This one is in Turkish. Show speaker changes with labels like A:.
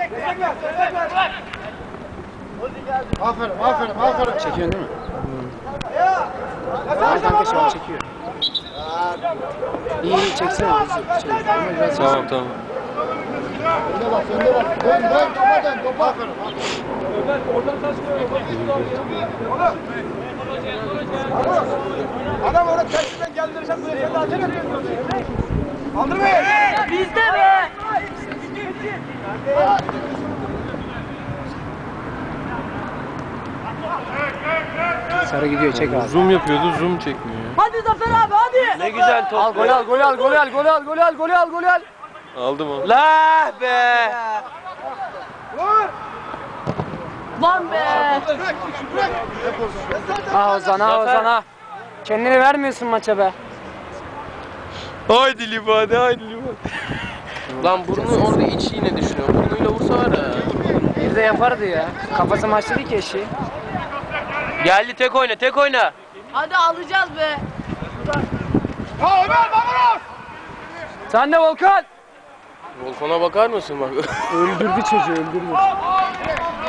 A: Aferin. Çekiyorsun değil mi? Tamam kanka şu an çekiyor. İyi çeksene.
B: Tamam.
C: Önde bak. Dön. Topa. Aferin.
D: Adam orada tersinden geldirirsen bu sefer de acele ediyor. Kaldırmayın.
E: Bizde be.
A: Sarı gidiyor çek abi.
B: Zoom yapıyordu, zoom çekmiyor ya.
E: Hadi Zafer abi hadi.
D: Ne güzel top.
A: Al golü al.
B: Aldım onu.
D: La be.
E: Lan be.
A: Ozan. Kendini vermiyorsun maça be.
B: Haydi Liva.
F: Lan burnu orada iç yine düşünüyor. Burnuyla vursa var ya.
A: Bir de yapardı ya. Kafası maçta değil ki eşeği.
F: Geldi tek oyna.
E: Hadi alacağız be.
A: Sen de Volkan.
F: Volkan'a bakar mısın bak.
A: Öldürdü çocuğu.